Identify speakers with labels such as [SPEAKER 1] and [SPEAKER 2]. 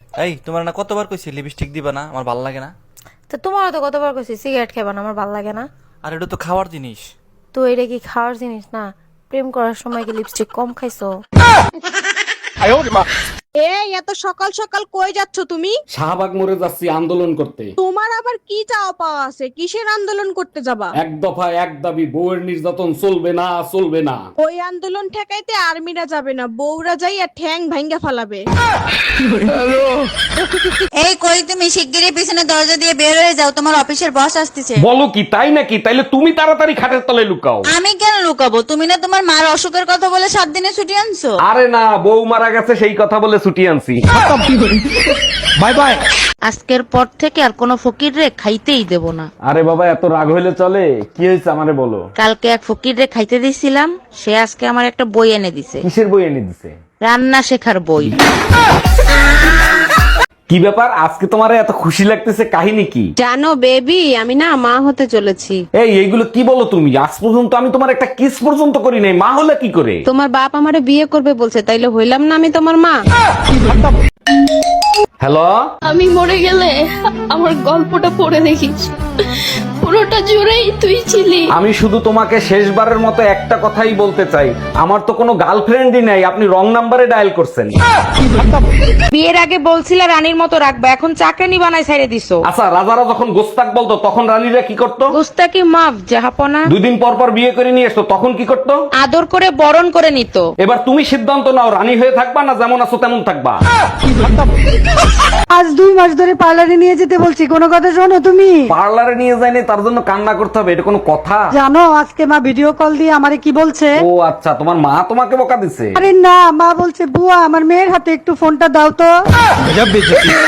[SPEAKER 1] এই তোমার না কতবার কইছি লিপস্টিক দিবা না, আমার ভালো লাগে না।
[SPEAKER 2] তো তোমারও তো কতবার কইছি সিগারেট খাবা না, আমার ভালো লাগে না।
[SPEAKER 1] আর এটা তো খাওয়ার জিনিস।
[SPEAKER 2] তো এটা কি খাওয়ার জিনিস না? প্রেম করার সময় কি লিপস্টিক কম খাইছো?
[SPEAKER 3] এই এত সকাল সকাল কই যাচ্ছ তুমি?
[SPEAKER 4] শাহবাগ মোড়ে যাচ্ছি আন্দোলন করতে।
[SPEAKER 3] তোমার আবার কি চাও পাওয়া আছে? কিসের আন্দোলন করতে যাবা?
[SPEAKER 4] এক দফা এক দাবি, বউয়ের নির্যাতন চলবে না, চলবে না।
[SPEAKER 3] ওই আন্দোলন ঠেকাইতে আর্মিরা যাবে না, বউরা যাইয়া ঠ্যাং ভাঙ্গা ফালাবে।
[SPEAKER 5] এই কই তুমি শিগগিরই পিছনে দরজা দিয়ে বের হয়ে যাও, তোমার অফিসের বস আসতেছে।
[SPEAKER 4] বলো কি, তাই নাকি? তাইলে তুমি তাড়াতাড়ি খাটের তলায় লুকাও।
[SPEAKER 5] আমি কেন লুকাবো? তুমি না তোমার মার অসুখের কথা বলে 7 দিনে ছুটি আনছো।
[SPEAKER 4] আরে না, বউ মারা গেছে সেই কথা বলে ছুটি আনছি। Bye bye.
[SPEAKER 6] আজকের পর থেকে আর কোনো ফকির রে খাইতেই দেব না।
[SPEAKER 4] আরে বাবা, এত রাগ হইলে চলে? কি হয়েছে আমারে বলো।
[SPEAKER 6] কালকে এক ফকির রে খাইতে দিছিলাম, সে আজকে আমার একটা বই এনে দিছে,
[SPEAKER 4] কিসের বই এনে দিছে?
[SPEAKER 6] রান্না শেখার বই।
[SPEAKER 4] কি ব্যাপার, আজকে তোমারে এত খুশি লাগতেছে, কাহিনী কি?
[SPEAKER 7] জানো বেবি, আমি না মা হতে চলেছি।
[SPEAKER 4] এইগুলো কি বলো তুমি? আজ পর্যন্ত আমি তোমার একটা কিস পর্যন্ত করি নাই, মা হলে কি করে?
[SPEAKER 7] তোমার বাপ আমারে বিয়ে করবে বলছে, তাইলে হইলাম না আমি তোমার মা?
[SPEAKER 4] হ্যালো,
[SPEAKER 8] আমি মরে গেলে আমার গল্পটা পড়ে দেখিস, পুরোটা জুড়েই তুই ছিলি।
[SPEAKER 4] আমি শুধু তোমাকে শেষবারের মতো একটা কথাই বলতে চাই, আমার তো কোনো গার্লফ্রেন্ডই নাই, আপনি রং নাম্বারে ডায়াল করছেন।
[SPEAKER 6] বিয়ের আগে বলছিলে রানীর মতো রাখবা, এখন চাকরানি বানাই ছাইড়ে দিছো।
[SPEAKER 4] আচ্ছা, রাজারা যখন গোস্তাক বলতো তখন রানীরা কি করতো?
[SPEAKER 6] গুস্তাকি মাফ জাহাপনা।
[SPEAKER 4] 2 দিন পর পর বিয়ে করে নিয়ে আসতো, তখন কি করতো?
[SPEAKER 6] আদর করে বরণ করে নিত।
[SPEAKER 4] এবার তুমি সিদ্ধান্ত নাও, রানী হয়ে থাকবা না যেমন আছো তেমন থাকবা।
[SPEAKER 9] আজ 2 মাস ধরে পার্লারে নিয়ে যেতে বলছি, কোনো কথা শোনো তুমি?
[SPEAKER 4] পার্লারে নিয়ে যায়নি তার জন্য কান্না করতে হবে, এটা কোনো কথা?
[SPEAKER 9] জানো আজকে মা ভিডিও কল দিয়ে আমারে কি বলছে?
[SPEAKER 4] ও আচ্ছা, তোমার মা তোমাকে বকা দিছে?
[SPEAKER 9] আরে না, মা বলছে বুয়া আমার মেয়ের হাতে একটু ফোনটা দাও তো।